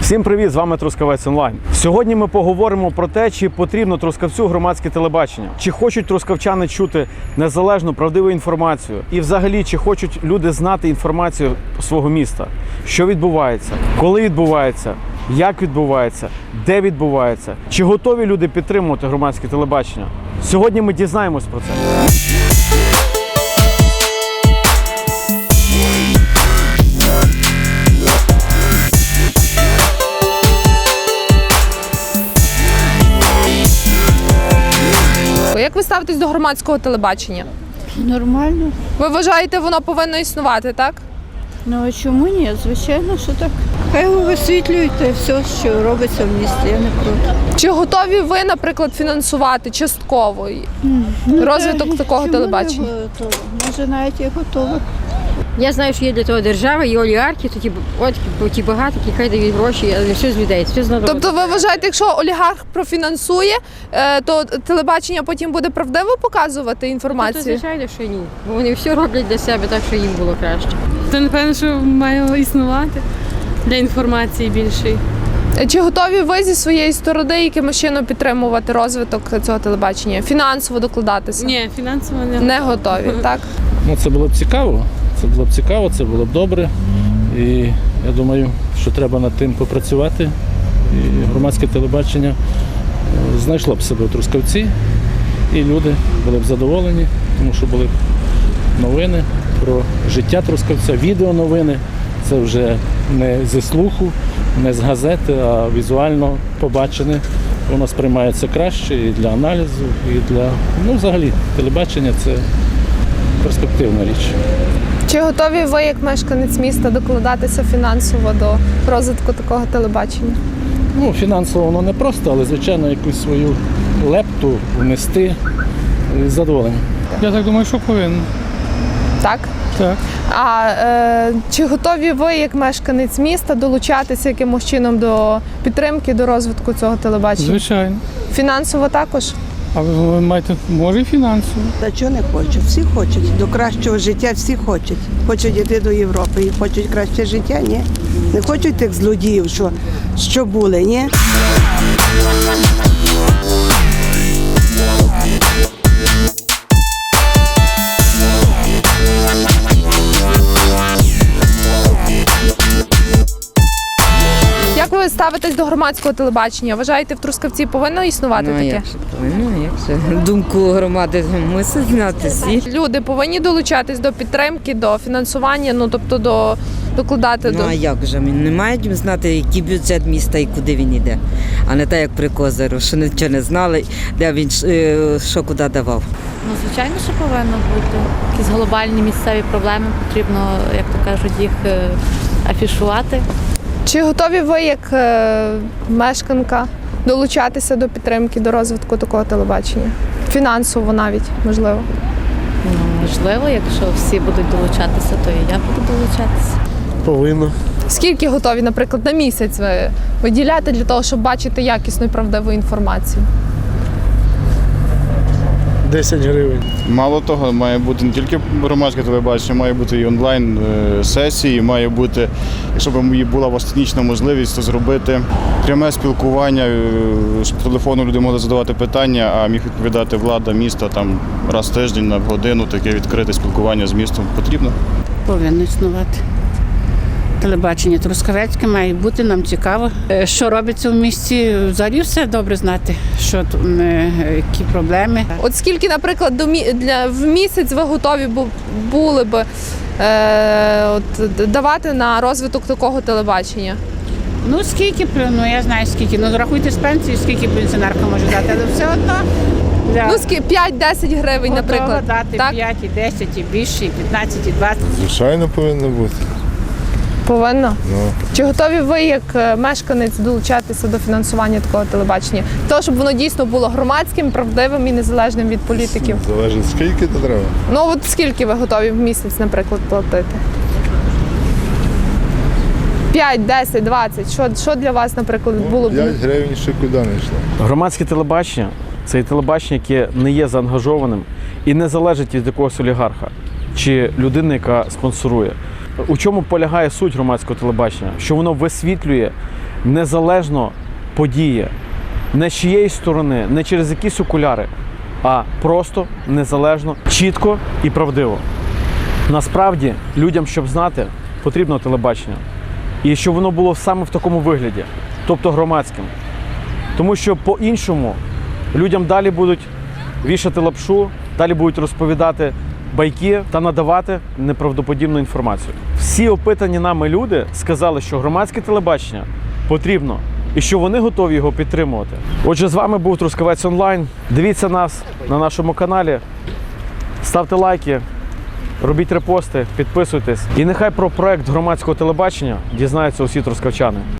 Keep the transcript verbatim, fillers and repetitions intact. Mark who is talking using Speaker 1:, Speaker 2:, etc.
Speaker 1: Всім привіт! З вами Трускавець Онлайн. Сьогодні ми поговоримо про те, чи потрібно Трускавцю громадське телебачення, чи хочуть трускавчани чути незалежну, правдиву інформацію, і взагалі, чи хочуть люди знати інформацію свого міста, що відбувається, коли відбувається, як відбувається, де відбувається, чи готові люди підтримувати громадське телебачення. Сьогодні ми дізнаємось про це.
Speaker 2: Як ви ставитесь до громадського телебачення?
Speaker 3: Нормально.
Speaker 2: Ви вважаєте, воно повинно існувати, так?
Speaker 3: Ну а чому ні? Звичайно, що так. Хай висвітлюють те все, що робиться в місті, я не проти.
Speaker 2: Чи готові ви, наприклад, фінансувати частково
Speaker 3: Ну,
Speaker 2: розвиток
Speaker 3: та,
Speaker 2: такого
Speaker 3: чому
Speaker 2: телебачення?
Speaker 3: не готово? Може, навіть і готово.
Speaker 4: Я знаю, що є для того держава, і олігархи, то ті, от, ті багаті, які хай дають гроші, але не все з людей, все з народу.
Speaker 2: Тобто ви вважаєте, якщо олігарх профінансує, е, то телебачення потім буде правдиво показувати
Speaker 4: Тобто,
Speaker 2: інформацію?
Speaker 4: звичайно, що ні. Бо вони все роблять для себе так, що їм було краще.
Speaker 5: То, напевно, що має існувати для інформації більшої.
Speaker 2: Чи готові ви зі своєї сторони якимось чином підтримувати розвиток цього телебачення? Фінансово докладатися?
Speaker 5: Ні, фінансово не.
Speaker 2: Не готові, так?
Speaker 6: Ну, це було б цікаво, це було б цікаво, це було б добре. І я думаю, що треба над тим попрацювати. І громадське телебачення знайшло б себе в Трускавці, і люди були б задоволені, тому що були б новини про життя Трускавця, відеоновини. Це вже не зі слуху, не з газети, а візуально побачене. Воно сприймається краще і для аналізу, і для, ну, взагалі, телебачення – це перспективна річ.
Speaker 2: Чи готові ви, як мешканець міста, докладатися фінансово до розвитку такого телебачення?
Speaker 6: Ну, фінансово воно не просто, але, звичайно, якусь свою лепту внести з задоволенням.
Speaker 7: Я так думаю, що повинен.
Speaker 2: Так?
Speaker 7: Так.
Speaker 2: А е, чи готові ви, як мешканець міста, долучатися якимось чином до підтримки, до розвитку цього телебачення?
Speaker 7: Звичайно.
Speaker 2: Фінансово також?
Speaker 7: А ви маєте, може, і фінансово.
Speaker 8: Та чого не хочуть? Всі хочуть. До кращого життя всі хочуть. Хочуть йти до Європи і хочуть краще життя, ні? Не хочуть тих злодіїв, що, що були, ні?
Speaker 2: Як ви ставитесь до громадського телебачення? Вважаєте, в Трускавці повинно існувати
Speaker 4: Ну, а
Speaker 2: таке?
Speaker 4: як же повинно, як же? Думку громади мусить знати всі.
Speaker 2: Люди повинні долучатись до підтримки, до фінансування, ну тобто до докладати
Speaker 4: Ну,
Speaker 2: до.
Speaker 4: а як же? Не мають знати, який бюджет міста і куди він йде. А не так, як при Козиру, що нічого не знали, де він е, що куди давав.
Speaker 9: Ну, звичайно, що повинно бути. Якісь глобальні місцеві проблеми, потрібно, як то кажуть, їх е, афішувати.
Speaker 2: Чи готові ви, як е, мешканка, долучатися до підтримки, до розвитку такого телебачення? Фінансово навіть, можливо.
Speaker 9: Ну, можливо, якщо всі будуть долучатися, то і я буду долучатися.
Speaker 10: Повинно.
Speaker 2: Скільки готові, наприклад, на місяць ви виділяти для того, щоб бачити якісну і правдиву інформацію?
Speaker 10: десять гривень.
Speaker 11: Мало того, має бути не тільки громадське телебачення, має бути і онлайн-сесії, має бути, якщо б була у вас технічна можливість, то зробити пряме спілкування, щоб по телефону люди могли задавати питання, а міг відповідати влада міста там раз в тиждень на годину, таке відкрите спілкування з містом потрібно.
Speaker 3: Повинно існувати. Телебачення Трускавецьке має бути, нам цікаво. Е, Що робиться в місті, взагалі все добре знати, що тут, е, які проблеми.
Speaker 2: От скільки, наприклад, до мі... для... в місяць ви готові бу... були б е... от, давати на розвиток такого телебачення?
Speaker 3: Ну, скільки, ну я знаю скільки, ну рахуйте з пенсії, скільки пенсіонерка може дати, але все одно. Для
Speaker 2: Ну, скільки? п'ять-десять гривень,
Speaker 3: готова
Speaker 2: наприклад.
Speaker 3: дати
Speaker 2: Так?
Speaker 3: п'ять, і десять, і більше, і п'ятнадцять, і двадцять.
Speaker 10: Звичайно, повинно бути.
Speaker 2: Повинно.
Speaker 10: Ну,
Speaker 2: Чи готові ви, як е, мешканець, долучатися до фінансування такого телебачення? Того, щоб воно дійсно було громадським, правдивим і незалежним від політиків?
Speaker 10: залежить скільки то треба.
Speaker 2: Ну от скільки ви готові в місяць, наприклад, платити? п'ять, десять, двадцять. Що, що для вас, наприклад, було б?
Speaker 10: п'ять гривень ще куди не йшло.
Speaker 1: Громадське телебачення – це і телебачення, яке не є заангажованим і не залежить від якогось олігарха чи людини, яка спонсорує. У чому полягає суть громадського телебачення? Що воно висвітлює незалежно подіє. Не з чиєї сторони, не через якісь окуляри, а просто незалежно, чітко і правдиво. Насправді, людям, щоб знати, потрібно телебачення. І щоб воно було саме в такому вигляді, тобто громадським. Тому що по-іншому людям далі будуть вішати лапшу, далі будуть розповідати байки та надавати неправдоподібну інформацію. Всі опитані нами люди сказали, що громадське телебачення потрібно і що вони готові його підтримувати. Отже, з вами був Трускавець Онлайн. Дивіться нас на нашому каналі, ставте лайки, робіть репости, підписуйтесь. І нехай про проект громадського телебачення дізнаються усі трускавчани.